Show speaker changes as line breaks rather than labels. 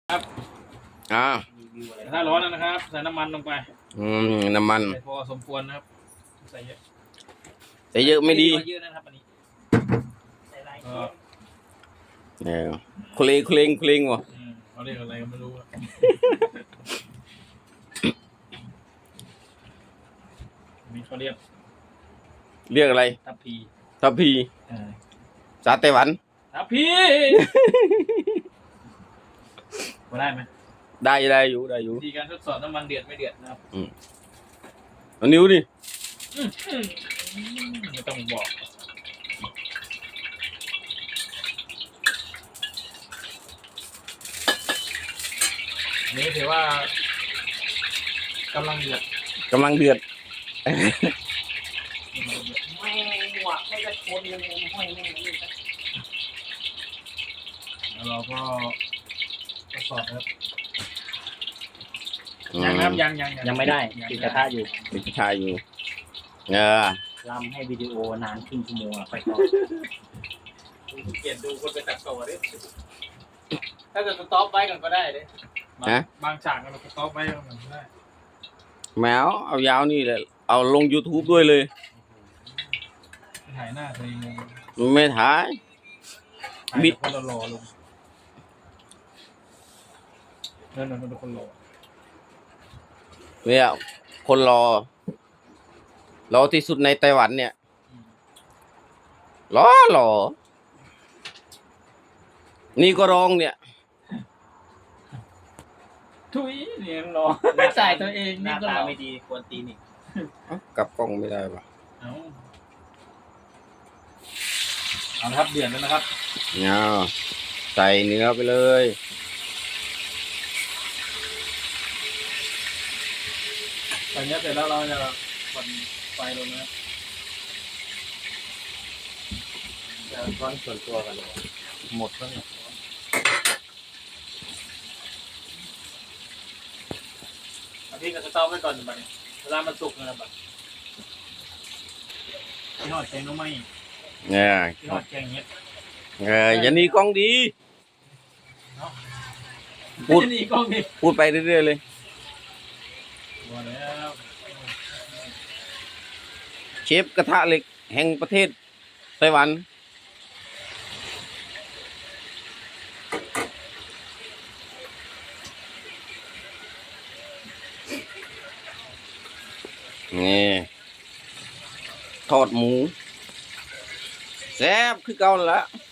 ครับ
อ่า
ถ้าร้อนแล้วนะครับใส่น้ำมันลงไป
น้ำมัน
ใส่พอสมควรนะครับใส่เยอะ
ใส่เยอะไม่ดี
เยอะนะครับอันนี้ใส่หลาย
เนี่ยเคลงวะ
เขาเรียกอะไรก็ไม่รู้มีเขาเรียก
อะไร
ทัพพี
สาไต้หวัน
ทัพพีมาได้ไหม
ได้อยู่
วิธีการทดสอบน้ำมันเดือดไม่เดือดนะครับ
เอานิ้วดิ
ไม่ต้องบอกนี่ถือว่ากำลังเดือดไม่หวักไม่จะคนยังไม่แล้วเราก็ทดสอบครับยังไม่ได้ติดกระทะอยู่รำให้วิดีโอนานครึ่งชั่วโมงไปต่อเกียรดูคนไปตัดต่อดิถ้าเกิดสต็อปไว้กันก็ได้ดิบางฉากเราสต็อปไว้กันก็ได้
แมวเอายาวนี่แหละเอาลง YouTube ด้วยเลย
ถ่ายหน้าตัวเอง
ไม่ถ่าย
บิดคนรอลงนั่นเป็นคนรอ
เนี่ยคนรอที่สุดในไต้หวันเนี่ยรอนี่ก็ร้องเนี่ย
ทุยเนี่ยรอใส่ตัวเองนี่ก็รอไม่ดีควรตีนี่
กลับกล้องไม่ได้ปะ
เอาละครับเดือดแล้วนะครับ
เนี่ยใส่เนื้อไปเลย
ใส่เนื้อเสร็จแล้วเราจะผ่อนไฟลงนะครับจะร้อนส่วนตัวกันเลยหมดแล้วเนี่ยพี่ก็จะต้มไว้ก่อนบัดนี้เวลามันสุกนะครับบัดที่หอดแกงน้ำไหม
เนี่ย
ที่หอดแกงเงี้ย
อย่าหนีกล้องดีพูดไปเรื่อยๆเลยเชฟกระทะเหล็กแห่งประเทศไต้หวันนี่ทอดหมูแซ่บคือเก่าแล้ว